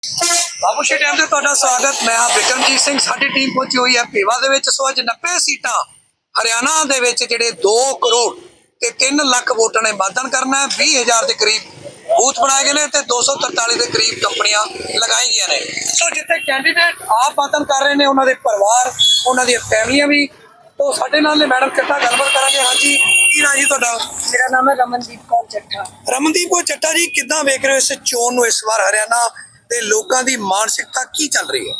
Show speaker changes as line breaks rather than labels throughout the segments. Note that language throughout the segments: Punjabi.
ਬਾਬੂਸ਼ੀ ਟਾਈਮ ਤੇ ਤੁਹਾਡਾ ਸਵਾਗਤ। ਮੈਂ ਹਾਂ ਬਿਕਰਮਜੀਤ ਸਿੰਘ। ਸਾਡੀ ਟੀਮ ਪਹੁੰਚੀ ਹੋਈ ਹੈ ਭੇਵਾ ਦੇ ਵਿੱਚ। ਸੋ ਅੱਜ 90 ਸੀਟਾਂ ਹਰਿਆਣਾ ਦੇ ਵਿੱਚ ਜਿਹੜੇ 2 ਕਰੋੜ ਤੇ 3 ਲੱਖ ਵੋਟਾਂ ਨੇ ਮਤਦਾਨ ਕਰਨਾ ਹੈ। 20,000 ਦੇ ਕਰੀਬ ਬੂਥ ਬਣਾਏ ਗਏ ਨੇ ਤੇ 243 ਦੇ ਕਰੀਬ ਕੰਪਨੀਆਂ ਲਗਾਈ ਗਈਆਂ ਨੇ। ਸੋ ਜਿੱਥੇ ਕੈਂਡੀਡੇਟ ਆਪ ਮਤਦਾਨ ਕਰ ਰਹੇ ਨੇ, ਉਹਨਾਂ ਦੇ ਪਰਿਵਾਰ, ਉਹਨਾਂ ਦੀਆਂ ਫੈਮਲੀਆਂ ਵੀ। तो साडे नाल ने मैडम चट्टा गलबात करांगे। हाँ जी, की नाम जी तुहाडा?
मेरा नाम है रमनदीप कौर चट्टा।
रमनदीप कौर चट्टा जी, किद्दां वेख रहे हो इस चोण नूं? इस बार हरियाणा दे लोकां दी मानसिकता की चल रही है?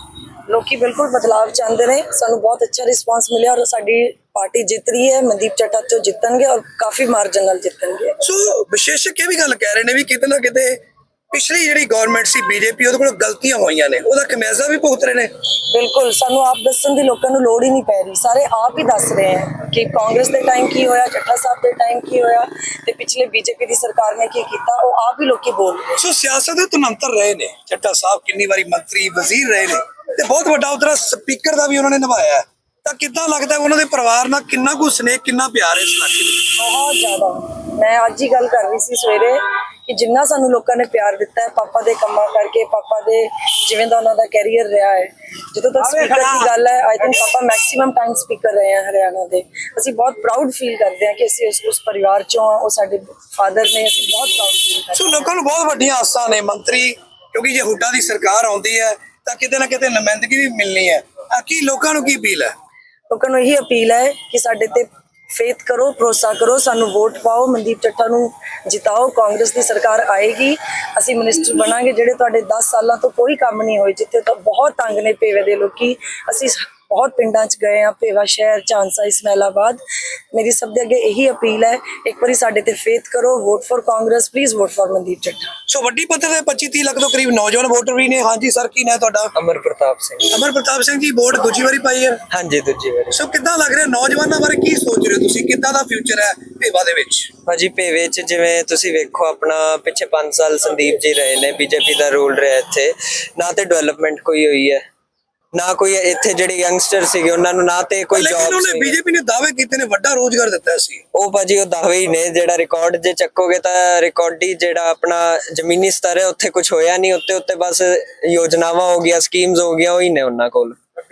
लोकी बिल्कुल बदलाव चाहते हैं। सानू बहुत अच्छा रिस्पांस मिले और साडी पार्टी जित रही है। मनदीप चट्टा तो जितणगे और काफी मार्जिन नाल जितणगे।
सो विशेषज्ञ भी गल कह रहे ने भी किते ना किते पिछली जिहड़ी गवर्नमेंट सी बीजेपी ਉਹਦੇ ਕੋਲ ਗਲਤੀਆਂ ਹੋਈਆਂ ਨੇ, ਉਹਦਾ ਖਮਿਆਜ਼ਾ ਵੀ ਭੁਗਤ ਰਹੇ ਨੇ।
बिल्कुल सानू आप दसन दी लोकां नू लोड़ ही नहीं पै रही। सारे आप ही दस रहे हैं कि कांग्रेस दे टाइम की होया, चट्टा साहब दे टाइम की होया ते पिछले बीजेपी दी सरकार ने की कीता, ਉਹ आप ही लोकी बोल रहे।
ਸੋ ਸਿਆਸਤ ਦੇ ਤਨੰਤਰ ਰਹੇ ਨੇ। ਚੱਟਾ ਸਾਹਿਬ ਕਿੰਨੀ ਵਾਰੀ ਮੰਤਰੀ ਵਜ਼ੀਰ ਰਹੇ ਨੇ ਤੇ ਬਹੁਤ ਵੱਡਾ ਉਧਰ ਸਪੀਕਰ ਦਾ ਵੀ ਉਹਨਾਂ ਨੇ ਨਿਭਾਇਆ। ਤਾਂ ਕਿੱਦਾਂ ਲੱਗਦਾ ਉਹਨਾਂ ਦੇ ਪਰਿਵਾਰ ਨਾਲ ਕਿੰਨਾ ਕੁ ਸਨੇਹ, ਕਿੰਨਾ ਪਿਆਰ ਹੈ ਇਸ ਇਲਾਕੇ ਵਿੱਚ?
बहुत ज्यादा। मैं आज ही गल कर रही सी सवेरे कि जिन्ना सानू लोकां ने प्यार दिता है पापा दे कम्मां करके, पापा दे जिवें दा उन्हां दा कैरियर रहा है। ਜਦੋਂ तक स्पीकर की गल है, आई थिंक पापा मैक्सिमम टाइम स्पीकर रहे हैं हरियाणा दे। ਅਸੀਂ बहुत प्राउड फील करते हैं कि ਅਸੀਂ उस परिवार चों आ। ਉਹ ਸਾਡੇ ਫਾਦਰ ਨੇ। ਅਸੀਂ ਬਹੁਤ प्राउड फील करते
ਸੋ ਲੋਕਾਂ ਨੂੰ ਬਹੁਤ ਵੱਡੀਆਂ ਆਸਾਂ ਨੇ ਮੰਤਰੀ, ਕਿਉਂਕਿ ਜੇ ਹੁੱਡਾ ਦੀ ਸਰਕਾਰ ਆਉਂਦੀ ਹੈ ਤਾਂ ਕਿਤੇ ਨਾ ਕਿਤੇ ਨੁਮਾਇੰਦਗੀ ਵੀ ਮਿਲਣੀ ਹੈ। ਕੀ ਲੋਕਾਂ ਨੂੰ ਕੀ ਅਪੀਲ ਹੈ?
ਲੋਕਾਂ ਨੂੰ ਇਹੀ ਅਪੀਲ ਹੈ ਕਿ ਸਾਡੇ ਤੇ ਫੇਥ ਕਰੋ, ਭਰੋਸਾ ਕਰੋ, ਸਾਨੂੰ ਵੋਟ ਪਾਓ, ਮਨਦੀਪ ਚੱਠਾ ਨੂੰ ਜਿਤਾਓ। ਕਾਂਗਰਸ ਦੀ ਸਰਕਾਰ ਆਏਗੀ, ਅਸੀਂ ਮਿਨਿਸਟਰ ਬਣਾਂਗੇ। ਜਿਹੜੇ ਤੁਹਾਡੇ 10 ਸਾਲਾਂ ਤੋਂ ਕੋਈ ਕੰਮ ਨਹੀਂ ਹੋਏ, ਜਿੱਥੇ ਤਾਂ ਬਹੁਤ ਤੰਗ ਨੇ ਭੇਵੇ ਦੇ ਲੋਕੀ। ਅਸੀਂ ਬਹੁਤ ਪਿੰਡਾਂ 'ਚ ਗਏ ਹਾਂ, ਭੇਵਾ ਸ਼ਹਿਰ, ਝਾਂਸਾ, ਇਸਮਾਇਲਾਬਾਦ। ਮੇਰੀ ਸਭ ਦੇ ਅੱਗੇ ਇਹੀ ਅਪੀਲ ਹੈ, ਇੱਕ ਵਾਰੀ ਸਾਡੇ ਤੇ ਫੇਥ ਕਰੋ, vote for Congress, please vote for Mandeep Chattha.
So ਵੱਡੀ ਪੱਧਰ ਤੇ 25-30 ਲੱਖ ਤੋਂ ਕਰੀਬ ਨੌਜਵਾਨ ਵੋਟਰ ਵੀ ਨੇ। ਹਾਂਜੀ ਸਰ, ਕੀ ਨਾਂ ਤੁਹਾਡਾ?
ਅਮਰ ਪ੍ਰਤਾਪ ਸਿੰਘ।
ਅਮਰ ਪ੍ਰਤਾਪ ਸਿੰਘ ਜੀ, ਵੋਟ ਦੂਜੀ ਵਾਰੀ ਪਾਈ ਹੈ?
ਹਾਂਜੀ, ਦੂਜੀ ਵਾਰੀ।
ਸੋ ਕਿੱਦਾਂ ਲੱਗ ਰਿਹਾ? ਨੌਜਵਾਨਾਂ ਬਾਰੇ ਕੀ ਸੋਚ ਰਹੇ ਹੋ ਤੁਸੀਂ? ਕਿੱਦਾਂ ਦਾ ਫਿਊਚਰ ਹੈ ਭੇਵਾ ਦੇ ਵਿੱਚ?
ਭਾਜੀ ਭੇਵੇ ਚ ਜਿਵੇਂ ਤੁਸੀਂ ਵੇਖੋ, ਆਪਣਾ ਪਿੱਛੇ 5 ਸਾਲ ਸੰਦੀਪ ਜੀ ਰਹੇ ਨੇ, ਬੀਜੇਪੀ ਦਾ ਰੂਲ ਰਿਹਾ ਇੱਥੇ। ਨਾ ਤੇ ਡਿਵੈਲਪਮੈਂਟ ਕੋਈ ਹੋਈ ਹੈ, ਨਾ ਕੋਈ ਇੱਥੇ ਜਿਹੜੇ ਯੰਗਸਟਰ ਸੀਗੇ ਉਹਨਾਂ ਨੂੰ ਨਾ ਤੇ ਕੋਈ ਜੌਬ ਸੀ।
ਬੀਜੇਪੀ ਨੇ ਦਾਅਵੇ ਕੀਤੇ ਨੇ, ਵੱਡਾ ਰੋਜ਼ਗਾਰ ਦਿੱਤਾ ਸੀ।
ਉਹ ਭਾਜੀ ਉਹ ਦਾਅਵੇ ਹੀ ਨੇ। ਜਿਹੜਾ ਰਿਕਾਰਡ ਜੇ ਚੱਕੋਗੇ ਤਾਂ ਰਿਕਾਰਡੀ ਜਿਹੜਾ ਆਪਣਾ ਜ਼ਮੀਨੀ ਸਤਰ ਹੈ ਉੱਥੇ ਕੁਝ ਹੋਇਆ ਨਹੀਂ। ਉੱਤੇ ਬਸ ਯੋਜਨਾਵਾਂ ਹੋ ਗਈਆਂ, ਸਕੀਮਸ ਹੋ ਗਈਆਂ, ਉਹੀ ਨੇ ਉਹਨਾਂ ਕੋਲ।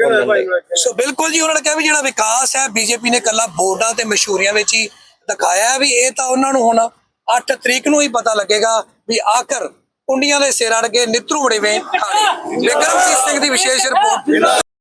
ਸੋ ਬਿਲਕੁਲ ਜੀ, ਉਹਨਾਂ ਨੇ ਕਿਹਾ ਵੀ ਜਿਹੜਾ ਵਿਕਾਸ ਹੈ ਬੀਜੇਪੀ ਨੇ ਕੱਲਾ ਬੋਰਡਾਂ ਤੇ ਮਸ਼ਹੂਰੀਆਂ ਵਿੱਚ ਹੀ ਦਿਖਾਇਆ ਵੀ ਇਹ ਤਾਂ ਉਹਨਾਂ ਨੂੰ ਹੁਣ 8 ਤਰੀਕ ਨੂੰ ਹੀ ਪਤਾ ਲੱਗੇਗਾ ਵੀ ਆਖਰ ਕੁੰਡੀਆਂ ਦੇ ਸਿਰ ਅੜ ਕੇ ਨਿੱਤਰੂ ਬੜੇ ਵੇ ਖਾਣੇ। ਬਿਕਰਮਜੀਤ ਸਿੰਘ ਦੀ ਵਿਸ਼ੇਸ਼ ਰਿਪੋਰਟ।